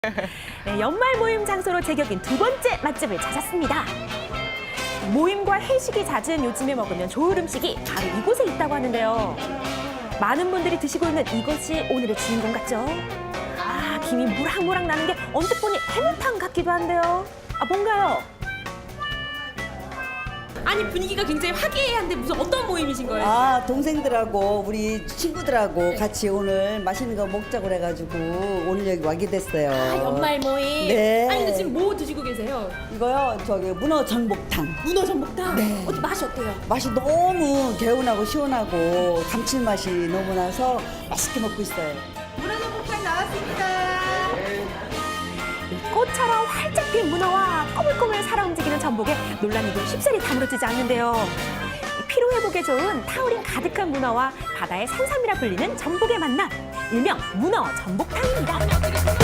네, 연말 모임 장소로 제격인 두 번째 맛집을 찾았습니다. 모임과 회식이 잦은 요즘에 먹으면 좋을 음식이 바로 이곳에 있다고 하는데요. 많은 분들이 드시고 있는 이것이 오늘의 주인공 같죠? 아, 김이 모락모락 나는 게 언뜻 보니 해물탕 같기도 한데요. 아, 뭔가요? 아니 분위기가 굉장히 화기애애한데 무슨 어떤 모임이신 거예요? 아, 동생들하고 우리 친구들하고 같이 오늘 맛있는 거 먹자고 그래가지고 오늘 여기 와게 됐어요. 아, 연말 모임. 네. 아니 근데 지금 뭐 드시고 계세요? 이거요, 저기 문어 전복탕. 문어 전복탕. 네. 어때 맛이 어때요? 맛이 너무 개운하고 시원하고 감칠맛이 너무 나서 맛있게 먹고 있어요. 문어 전복탕 나왔습니다. 꽃처럼 활짝 핀 문어와 꼬물꼬물 살아 움직이는 전복에 놀란 입은 쉽사리 다물어지지 않는데요. 피로 회복에 좋은 타우린 가득한 문어와 바다의 산삼이라 불리는 전복의 만남, 일명 문어 전복탕입니다.